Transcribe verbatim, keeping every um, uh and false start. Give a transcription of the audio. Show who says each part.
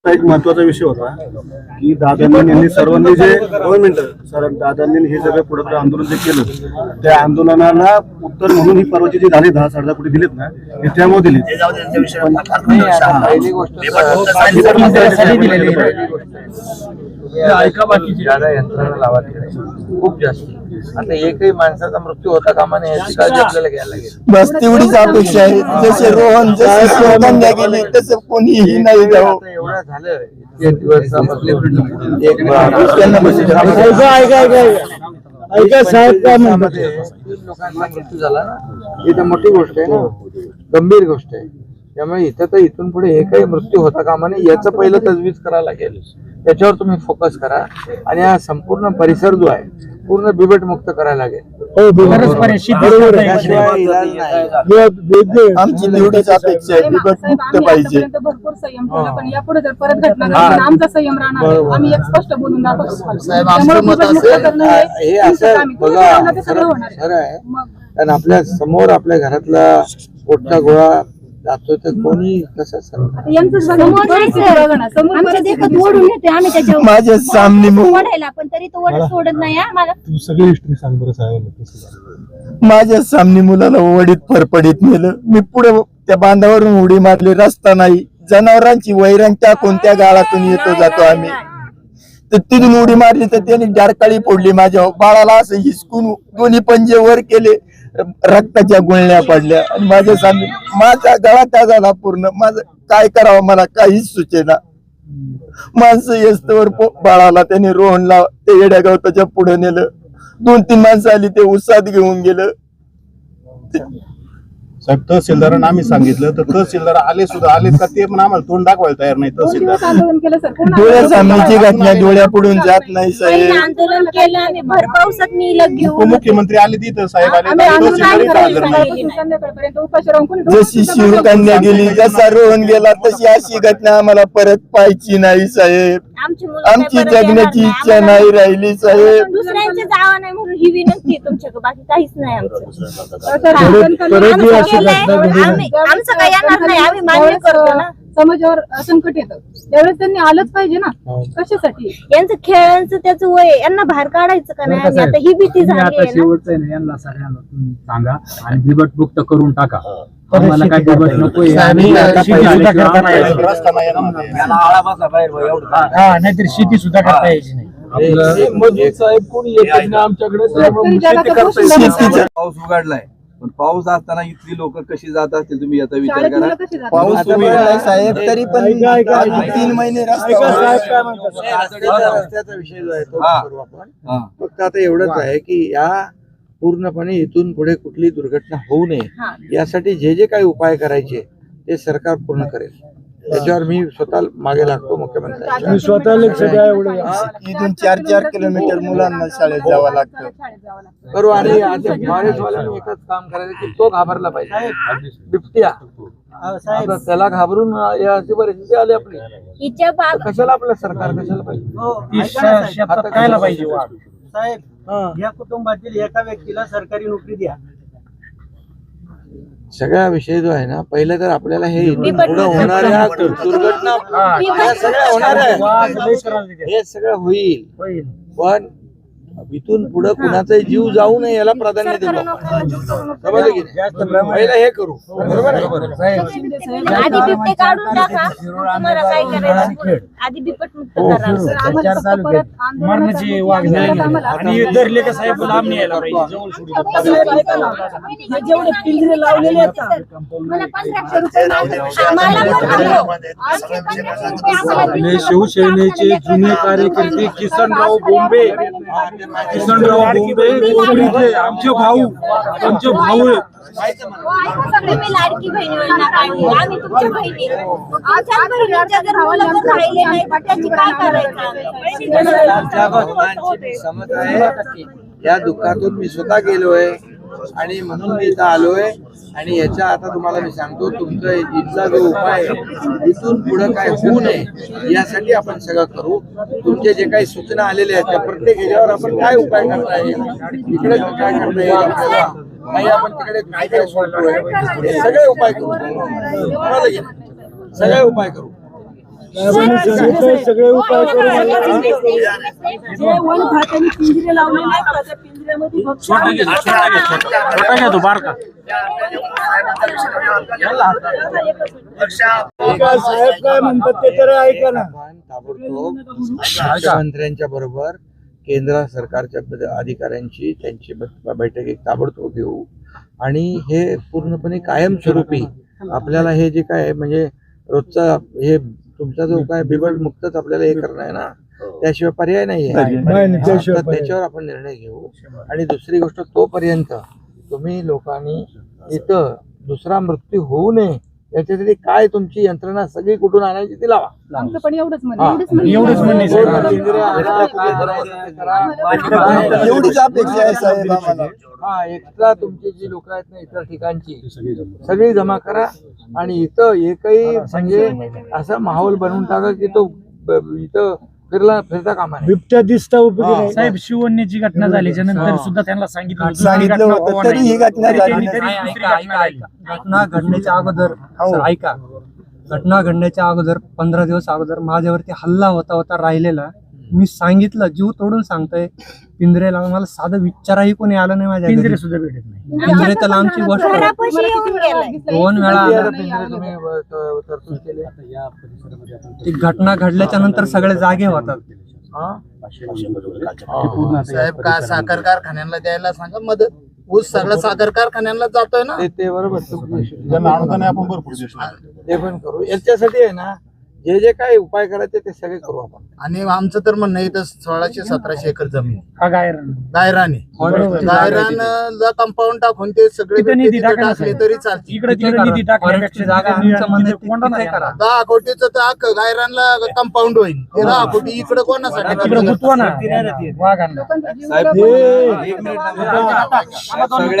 Speaker 1: एक महत्वाचा विषय होता की दादांनी यांनी सर्वांनी जे दोन मिनिटं सर दादांनी हे सगळं पुढे आंदोलन जे केलं त्या आंदोलनाला उत्तर म्हणून ही परवाची जी झाली दहा साडे दहा कोटी दिलेत ना हे त्यामुळे दिली.
Speaker 2: ऐका बाकीची ज्यादा यंत्रणा लावा खूप जास्त. आता एकही माणसाचा मृत्यू होता कामा नये याची काळजी आपल्याला घ्यायला लागेल.
Speaker 3: बस तेवढीच अपेक्षा आहे. जसे रोहन जसे सोगंद्या गेले तसं कोणीही नाही जावं.
Speaker 2: एवढं झालं एक दिवस
Speaker 4: ऐका साहेब काय म्हणतात
Speaker 2: लोकांचा मृत्यू झाला ना ही तर मोठी गोष्ट आहे ना, गंभीर गोष्ट आहे. त्यामुळे इथं तर इथून पुढे हे काही मृत्यू होता कामा नये याचं पहिलं तजवीज करावं लागेल. त्याच्यावर तुम्ही फोकस करा आणि हा संपूर्ण परिसर जो आहे पूर्ण बिबट मुक्त करायला लागेल.
Speaker 3: आमची तेवढीच अपेक्षा आहे बिबट मुक्त पाहिजे.
Speaker 5: भरपूर संयम ठेवला पण यापुढे जर परत घटना घडली आमचा संयम राहणार. आम्ही एक स्पष्ट बोलून दाखवतो
Speaker 2: हे असं बघा खरं आहे. कारण आपल्या समोर आपल्या घरातला मोठा गोळा जातो तर कोणी कसं
Speaker 3: माझ्या सामने
Speaker 6: पण तरी तो वडील सोडत नाही आम्हाला.
Speaker 4: तू सगळी हिस्ट्री सांग बरं साहेब.
Speaker 3: माझ्या सामने मुलाला ओढीत फरफडीत नेलं. मी पुढे त्या बांधावरून उडी मारली. रस्ता नाही. जनावरांची वैरण त्या कोणत्या गाळातून येतो जातो आम्ही. तर तिथून उडी मारली तर त्यांनी डारकाळी फोडली. माझ्या बाळाला असं हिसकून दोन्ही पंजे वर केले. रक्ताच्या गुळण्या पडल्या आणि माझ्या सामने माझा गळा त्या झाला पूर्ण. माझं काय करावं मला काहीच सुचेना. माणसं येस्तवर बाळाला त्याने रोहनला ते येड्या गवताच्या पुढे नेलं. दोन तीन माणसं आली ते उसात घेऊन गेलं.
Speaker 1: साहेब तहसीलदारांना आम्ही सांगितलं तर तहसीलदार आले सुद्धा आले का ते पण आम्हाला तोंड दाखवायला तयार नाही. तहसीलदार
Speaker 5: आंदोलन केलं सर
Speaker 3: डोळ्यासामनीची घटना डोळ्यापुढून जात नाही साहेब.
Speaker 6: आंदोलन केलं आम्ही भर पावसात मी लग घेऊन
Speaker 1: उपमुख्यमंत्री आले तिथं साहेब आले.
Speaker 3: जशी शिवकन्या गेली जसा रोहन गेला तशी अशी घटना आम्हाला परत पाहायची नाही साहेब. आमची जगण्याची इच्छा नाही राहिली साहेब.
Speaker 6: दुसऱ्यांच्या जावा नाही म्हणून ही विनंती आहे तुमच्याकडे. बाकी काहीच नाही आमचं. आमचं काही येणार नाही. आम्ही मान्य करतो ना.
Speaker 5: समाजावर संकट येतं त्यावेळेस त्यांनी आलंच पाहिजे ना. कशासाठी
Speaker 6: यांचं खेळांचं त्याचं वय यांना बाहेर काढायचं का नाही. आम्ही आता ही भीती झाली आहे ना.
Speaker 4: शेवटचं आहे यांना सगळ्यांना तुम्ही सांगा आणि बिबट मुक्त करून टाका. आम्हाला काय बिबट नकोय. नाहीतर शेती सुद्धा करता यायची नाही.
Speaker 2: पाऊस उघडलाय पण पाऊस असताना इथली लोक कशी जात असतील तुम्ही याचा विचार
Speaker 5: शाळेत मुलं
Speaker 2: करा.
Speaker 5: कशी जातात?
Speaker 3: पाऊस उघडलाय साहेब तरी पण तीन महिने रस्ता
Speaker 2: रस्त्याचा विषय जो आहे तो करू आपण. फक्त आता एवढंच आहे की या पूर्णपणे इथून पुढे कुठली दुर्घटना होऊ नये यासाठी जे जे काही उपाय करायचे ते सरकार पूर्ण करेल. त्याच्यावर मी स्वतः मागे लागतो मुख्यमंत्र्यांच्या.
Speaker 4: मी स्वतः लक्ष द्या. एवढं
Speaker 3: इथून चार चार किलोमीटर मुलांना शाळेत जावं लागतं.
Speaker 2: करू आणि आता फॉरेस्टवाल्यांनी एकच काम करायचं की तो घाबरला पाहिजे. बिबट्या आता त्याला घाबरून याची परिस्थिती आली आपली.
Speaker 6: हिच्या बाब
Speaker 2: कशाला आपलं सरकार कशाला पाहिजे.
Speaker 4: खायला पाहिजे वाढ.
Speaker 7: साहेब या कुटुंबातील एका व्यक्तीला सरकारी नोकरी द्या.
Speaker 2: सगळा विषय जो आहे ना पहिलं तर आपल्याला हे इथून पुढे होणाऱ्या दुर्घटना या सगळ्या होणार आहे. हे सगळं होईल पण इथून पुढे कुणाचाही जीव जाऊ नये याला प्राधान्य देऊ. समजलं की नाही. पहिलं हे करू. बरोबर आहे.
Speaker 6: आधी बिबटे काढून टाका. तुम्हाला काय करायचं आधी बिबट मुक्त करा.
Speaker 4: मरणाची वाघ झाली आणि धरले का साहेब लांब नाही यायला पाहिजे.
Speaker 7: जेवढे पिंजरे लावलेले आहेत
Speaker 6: मला पंधराशे रुपये
Speaker 4: आपले शिवसेनेचे जुने कार्यकर्ते किसनराव बोंबे किसनराव बोंबे कोपरीचे आमचे भाऊ आमचे भाऊ
Speaker 6: मी लाडकी बहिणी योजना काढली. आम्ही तुमच्या बहिणी आमच्या बहिणीच्या जर मुलं जर राहिले नाही त्याची काय करायचं.
Speaker 2: या दुःखातून मी स्वतः गेलोय आणि म्हणून मी इथं आलोय. आणि याच्या आता तुम्हाला मी सांगतो तुमचा इथला जो उपाय इथून पुढे काय होऊ नये यासाठी आपण सगळं करू. तुमचे जे काही सूचना आलेल्या आहेत त्या प्रत्येक ह्याच्यावर आपण काय उपाय करता येईल इकडे काय करता येईल आपल्याला काही आपण तिकडे काय काय सोडतोय सगळे उपाय करू. सगळे उपाय करू.
Speaker 7: सगळे उपाय करून
Speaker 8: जे वन खात्याने पिंजरे लावलेले आहेत त्या पिंजऱ्यामध्ये
Speaker 7: साहेब काय म्हणतात ते तर ऐका ना.
Speaker 2: आपण ताबडतोब मुख्यमंत्र्यांच्या बरोबर केंद्र सरकारच्या ब- अधिकाऱ्यांची त्यांची ब- बैठक एक ताबडतोब घेऊ आणि हे पूर्णपणे कायमस्वरूपी आपल्याला हे जे काय आहे, म्हणजे रोजचा हे तुमचा जो काय बिबट मुक्तच आपल्याला हे करणं आहे ना, त्याशिवाय पर्याय नाही
Speaker 7: नाही, नाही, त्याशिवाय
Speaker 2: तर त्याच्यावर आपण निर्णय घेऊ. आणि दुसरी गोष्ट, तोपर्यंत तुम्ही लोकांनी इथं दुसरा मृत्यू होऊ नये याच्यासाठी काय तुमची यंत्रणा सगळी कुठून आणायची ती लावा.
Speaker 5: आमचं पण एवढंच म्हणणं
Speaker 2: हा.
Speaker 5: एवढंच म्हणणं.
Speaker 7: एवढंच म्हणणं आहे, साहेब.
Speaker 2: पूर्ण पिंजरे आणा, काय करायचं ते करा.
Speaker 3: एवढीच अपेक्षा आहे साहेब आम्हाला.
Speaker 2: हा, एक्स्ट्रा तुमची जी लोक आहेत ना इतर ठिकाणची सगळी जमा करा आणि इथं एकही म्हणजे असा माहोल बनवून टाका की तो ब- इथं फिरला फिरता कामा नये.
Speaker 7: बिबट्या दिसता उपयोगी
Speaker 2: हा.
Speaker 7: नाही.
Speaker 9: साहेब शिवण्याची घटना झाल्याच्या नंतर सुद्धा त्यांना सांगितलं होतं की
Speaker 3: सांगितलं
Speaker 9: घटना
Speaker 3: होतं
Speaker 9: व्हावं
Speaker 3: तरी
Speaker 9: नाही.
Speaker 3: ही घटना
Speaker 9: तरी
Speaker 3: झाली
Speaker 9: त्यांनी
Speaker 3: नाही.
Speaker 9: तरी दुसरी घटना झाली.
Speaker 10: घटना घडण्याच्या अगोदर सर, ऐका घटना घडण्याच्या अगोदर पंधरा दिवस अगोदर माझ्यावरती हल्ला होता होता राहिलेला. मी सांगितलं, जीव तोडून सांगतोय, पिंजरे लावून मला साधं विचाराही कोणी आलं नाही माझ्या
Speaker 9: पिंजरे
Speaker 10: घरी.
Speaker 9: सुद्धा भेटत नाही.
Speaker 10: पिंजरे तर लांबची गोष्ट आहे.
Speaker 6: घरापाशी येऊन गेलाय.
Speaker 10: दोन वेळा
Speaker 2: किती
Speaker 10: आला.
Speaker 2: आता पिंजरे तुम्ही व- त- तरतूद केले?
Speaker 10: ती घटना घडल्याच्या नंतर सगळे जागे होतात.
Speaker 2: हा?
Speaker 11: साहेब का साखर कारखान्यांना द्यायला सांगा मदत. ऊस सगळा साखर कारखान्यांना जातोय ना.
Speaker 2: ते ते बरोबर ते पण करू. याच्यासाठी आहे ना, जे जे काही उपाय करायचे ते सगळे करू आपण.
Speaker 11: आणि आमचं तर म्हणणं इथं सोळाशे सतराशे एकर जमीन
Speaker 9: हा गायरान.
Speaker 11: गायराने गायरानला कंपाऊंड टाकून ते सगळे
Speaker 9: तिथं निधी
Speaker 11: तिथं
Speaker 9: टाका ना,
Speaker 11: टाकले
Speaker 9: साहेब.
Speaker 11: तरी चालते.
Speaker 9: इकडे तिकडे निधी टाकण्यापेक्षा
Speaker 10: जागा आमचं म्हणणं आहे, ती तिथे करा.
Speaker 11: दहा कोटीचं तर अख्खं गायरानला कंपाऊंड होईल. ते दहा कोटी इकडे कोणासाठी
Speaker 9: तिकडे गुतवा ना वाघांना.
Speaker 5: लोकांचा जीव
Speaker 2: साहेब,
Speaker 5: गेला.
Speaker 2: एक मिनिट थांबा.